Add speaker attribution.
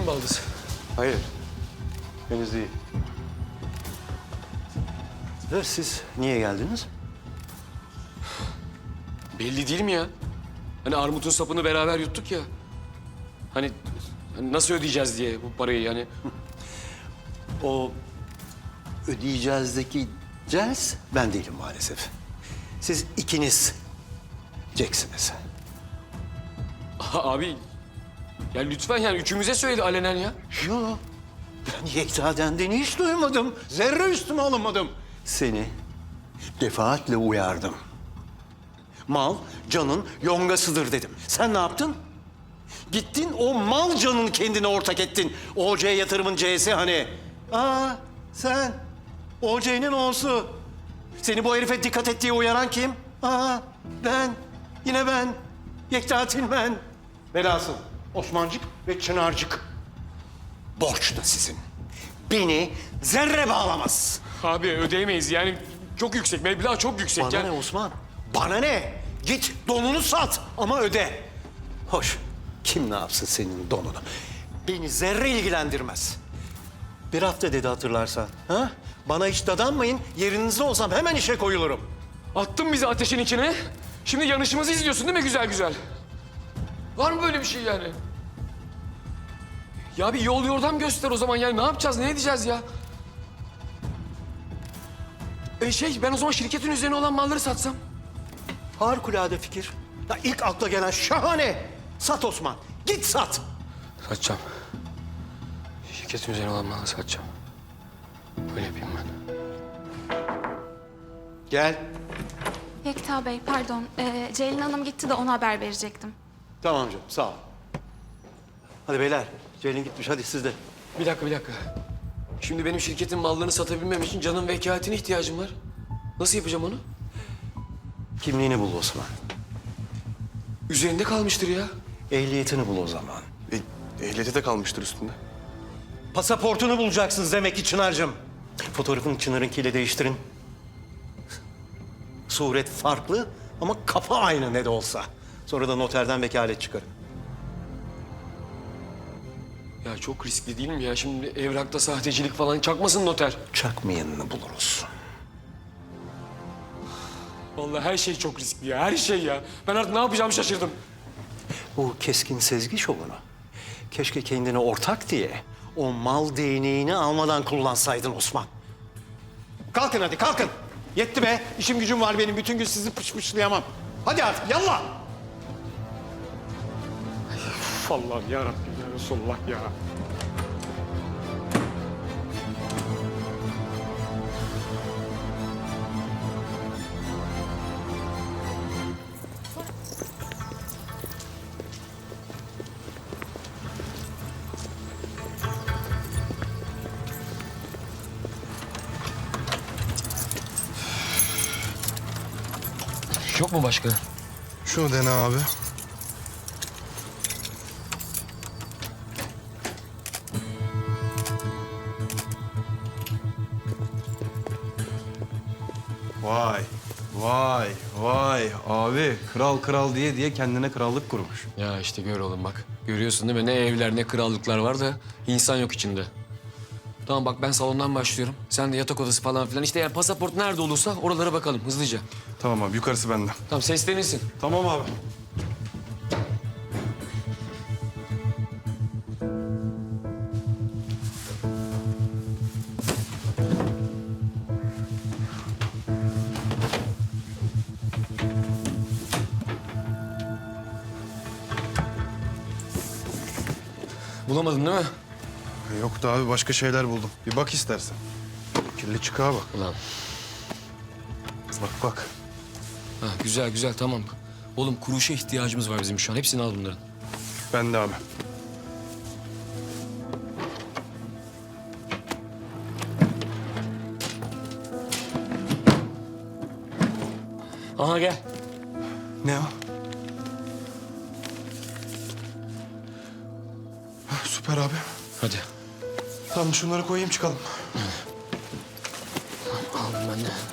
Speaker 1: baldız?
Speaker 2: Hayır. Henüz değil. Siz niye geldiniz?
Speaker 1: Belli değil mi ya? Hani armutun sapını beraber yuttuk ya. Hani nasıl ödeyeceğiz diye bu parayı yani.
Speaker 2: O ödeyeceğizdeki cels ben değilim maalesef. Siz ikiniz Jacksiniz.
Speaker 1: Abi ya lütfen yani üçümüze söyledi alenen ya.
Speaker 2: Yo, ben Yekta'dan de hiç duymadım. Zerre üstüme alınmadım. Seni defaatle uyardım. Mal canın yongasıdır dedim. Sen ne yaptın? Gittin o mal canın kendine ortak ettin. OC yatırımın C'si hani. Sen OC'nin O'su. Seni bu herife dikkat et diye uyaran kim? Ben. Yine ben. Yekta Tilmen. Velhasıl Osmancık ve Çınarcık. Borç da sizin. Beni zerre bağlamaz.
Speaker 1: Abi ödeyemeyiz yani çok yüksek. Meblağ çok yüksek.
Speaker 2: Bana
Speaker 1: yani.
Speaker 2: ne Osman? Bana ne? Git donunu sat ama öde. Hoş. Kim ne yapsın senin donunu? Beni zerre ilgilendirmez. Bir hafta dedi hatırlarsan. Ha? Bana hiç dadanmayın. Yerinizde olsam hemen işe koyulurum.
Speaker 1: Attın bizi ateşin içine. Şimdi yanışımızı izliyorsun değil mi güzel güzel? Var mı böyle bir şey yani? Ya bir yol yordam göster o zaman yani ne yapacağız, ne edeceğiz ya? Ben o zaman şirketin üzerine olan malları satsam.
Speaker 2: Harikulade fikir. Ya ilk akla gelen şahane. Sat Osman. Git sat.
Speaker 1: Satacağım. Şirketin üzerine olan malları satacağım. Öyle yapayım ben.
Speaker 2: Gel.
Speaker 3: Yekta Bey, pardon. Ceylin Hanım gitti de ona haber verecektim.
Speaker 2: Tamam canım sağ ol. Hadi beyler. Ceylin gitmiş hadi siz de.
Speaker 1: Bir dakika. Şimdi benim şirketin mallarını satabilmem için canın vekaletine ihtiyacım var. Nasıl yapacağım onu?
Speaker 2: Kimliğini bul Osman.
Speaker 1: Üzerinde kalmıştır ya.
Speaker 2: Ehliyetini bul o zaman.
Speaker 4: Ehliyeti de kalmıştır üstünde.
Speaker 2: Pasaportunu bulacaksınız demek ki Çınar'cığım. Fotoğrafını Çınar'ınkiyle değiştirin. Suret farklı ama kafa aynı ne de olsa. Sonra da noterden vekalet çıkarın.
Speaker 1: Ya çok riskli değil mi ya? Şimdi evrakta sahtecilik falan çakmasın noter.
Speaker 2: Çakmayanını buluruz.
Speaker 1: Vallahi her şey çok riskli ya. Her şey ya. Ben artık ne yapacağımı şaşırdım.
Speaker 2: Bu keskin sezgi şovunu. Keşke kendine ortak diye o mal değneğini almadan kullansaydın Osman. Kalkın hadi kalkın. Yetti be. İşim gücüm var benim. Bütün gün sizi pışpışlayamam. Hadi artık yallah.
Speaker 1: Allah'ım ya Rabbim ya Resulullah ya. Yok mu başka?
Speaker 4: Şunu dene abi. Vay abi kral diye kendine krallık kurmuş.
Speaker 1: Ya işte gör oğlum bak. Görüyorsun değil mi? Ne evler ne krallıklar var da insan yok içinde. Tamam bak ben salondan başlıyorum. Sen de yatak odası falan filan. İşte yani pasaport nerede olursa oralara bakalım hızlıca.
Speaker 4: Tamam abi yukarısı bende.
Speaker 1: Tamam seslenirsin.
Speaker 4: Tamam abi.
Speaker 1: Bulamadın değil mi?
Speaker 4: Yok da abi başka şeyler buldum. Bir bak istersen. Kirli çıkağa bak.
Speaker 1: Ulan.
Speaker 4: Bak.
Speaker 1: Ha, güzel tamam. Oğlum kuruşa ihtiyacımız var bizim şu an. Hepsini al bunların.
Speaker 4: Ben de abi.
Speaker 1: Aha gel.
Speaker 4: Ne o? Süper abi.
Speaker 1: Hadi.
Speaker 4: Tamam şunları koyayım çıkalım.
Speaker 1: Aldım ben de.